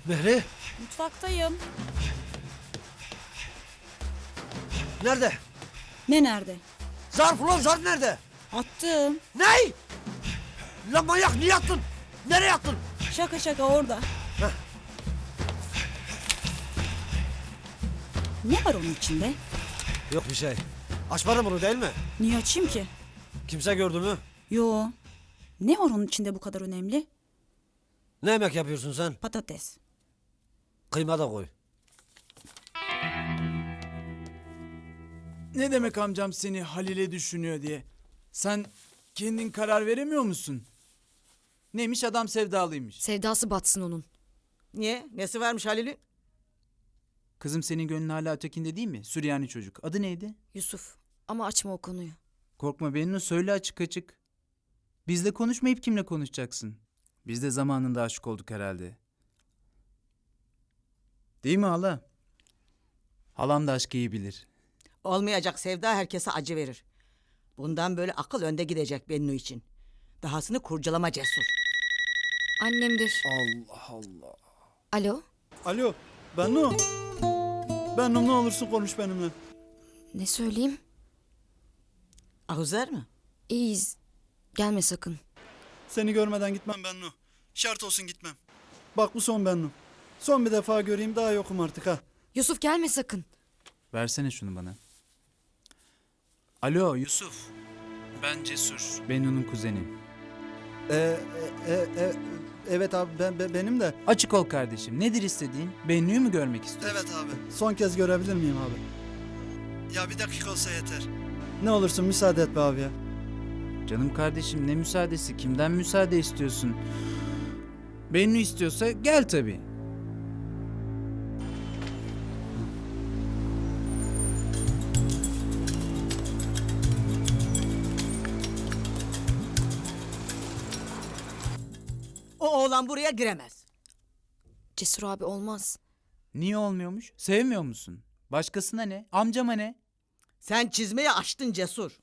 Mehri, Mutfaktayım. nerede? Ne nerede? Zarf ulan, zarf nerede? Attım. Ney? Lan manyak, niye attın? Nereye attın? Şaka şaka orada. Heh. Ne var onun içinde? Yok bir şey. Açmadın bunu değil mi? Niye açayım ki? Kimse gördü mü? Yo. Ne var onun içinde bu kadar önemli? Ne yemek yapıyorsun sen? Patates. Kıyma da koy. Ne demek amcam seni Halil'e düşünüyor diye? Sen kendin karar veremiyor musun? Neymiş, adam sevdalıymış. Sevdası batsın onun. Niye? Nesi varmış Halil'in? Kızım senin gönlün hala ötekinde değil mi? Süryani çocuk. Adı neydi? Yusuf. Ama açma o konuyu. Korkma Bennu, söyle açık açık. Bizle konuşmayıp kimle konuşacaksın? Biz de zamanında aşık olduk herhalde. Değil mi hala? Halam da aşkı iyi bilir. Olmayacak sevda herkese acı verir. Bundan böyle akıl önde gidecek Bennu için. Dahasını kurcalama Cesur. Annemdir. Allah Allah. Alo. Alo, Bennu. Bennu, ne olursun konuş benimle. Ne söyleyeyim? Ahuzer mi? İyiyiz. Gelme sakın. Seni görmeden gitmem Bennu. Şart olsun gitmem. Bak bu son Bennu. Son bir defa göreyim, daha yokum artık ha. Yusuf gelme sakın. Versene şunu bana. Alo Yusuf. Ben Cesur. Bennu'nun kuzeni. Evet abi, benim de. Açık ol kardeşim. Nedir istediğin? Bennu'yu mu görmek istiyorsun? Evet abi. Son kez görebilir miyim abi? Ya bir dakika olsa yeter. Ne olursun müsaade et be abi ya. Canım kardeşim, ne müsaadesi? Kimden müsaade istiyorsun? Bennu istiyorsa gel tabii. O oğlan buraya giremez. Cesur abi olmaz. Niye olmuyormuş? Sevmiyor musun? Başkasına ne? Amcama ne? Sen çizmeyi açtın Cesur.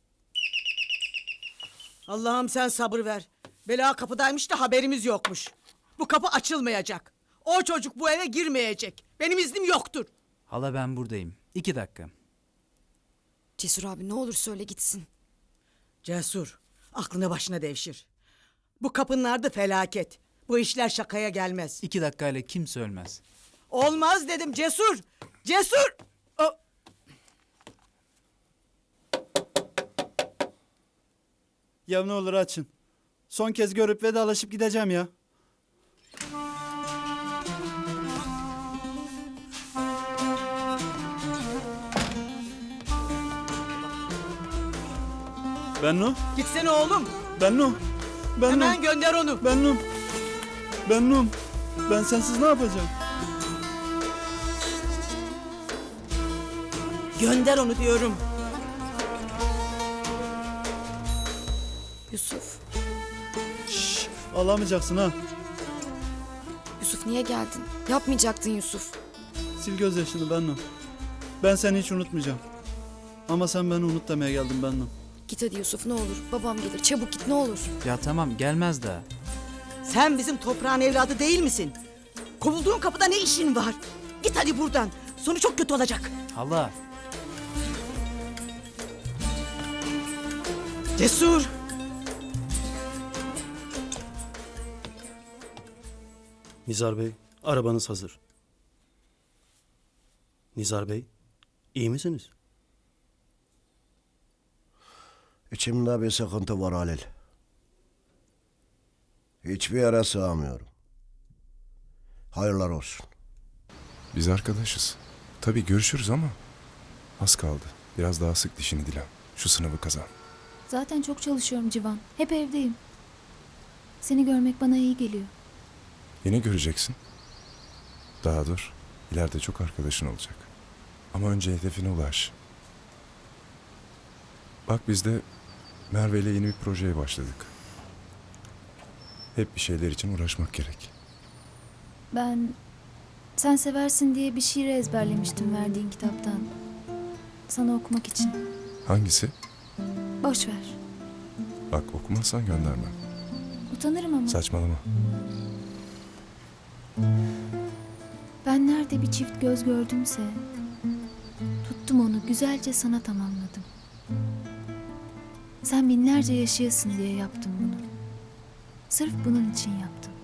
Allah'ım sen sabır ver. Bela kapıdaymış da haberimiz yokmuş. Bu kapı açılmayacak. O çocuk bu eve girmeyecek. Benim iznim yoktur. Hala ben buradayım. 2 dakika. Cesur abi ne olur söyle gitsin. Cesur, aklını başına devşir. Bu kapının ardı felaket. Bu işler şakaya gelmez. 2 dakikayla kimse ölmez. Olmaz dedim Cesur. Cesur! Ya ne olur açın. Son kez görüp vedalaşıp gideceğim ya. Bennu, Gitsene oğlum. Bennu, Bennu, Hemen gönder onu. Bennu, Bennu. Ben sensiz ne yapacağım? Gönder onu diyorum. Yusuf. Alamayacaksın ha. Yusuf niye geldin? Yapmayacaktın Yusuf. Sil gözyaşını Bennu. Ben seni hiç unutmayacağım. Ama sen beni unut demeye geldin Bennu. Git hadi Yusuf ne olur. Babam gelir. Çabuk git ne olur. Ya tamam, gelmez daha. Sen bizim toprağın evladı değil misin? Kovulduğun kapıda ne işin var? Git hadi buradan. Sonu çok kötü olacak. Hala. Cesur. Nizar Bey, arabanız hazır. Nizar Bey, iyi misiniz? İçimde bir sıkıntı var Halil. Hiçbir yere sığamıyorum. Hayırlar olsun. Biz arkadaşız. Tabii görüşürüz ama az kaldı. Biraz daha sık dişini Dilan. Şu sınavı kazan. Zaten çok çalışıyorum Civan. Hep evdeyim. Seni görmek bana iyi geliyor. Yine göreceksin. Daha dur. İleride çok arkadaşın olacak. Ama önce hedefine ulaş. Bak biz de Merve ile yeni bir projeye başladık. Hep bir şeyler için uğraşmak gerek. Ben sen seversin diye bir şiir ezberlemiştim verdiğin kitaptan. Sana okumak için. Hangisi? Boş ver. Bak okumazsan göndermem. Utanırım ama. Saçmalama. bir çift göz gördümse tuttum onu güzelce sana tamamladım. Sen binlerce yaşayasın diye yaptım bunu. Sırf bunun için yaptım.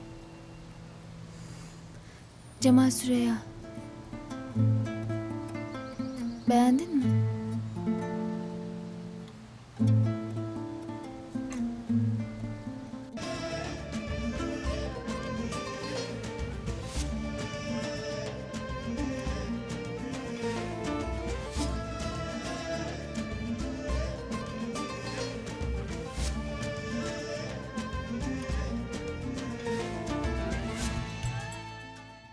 Cemal Süreya. Beğendin mi?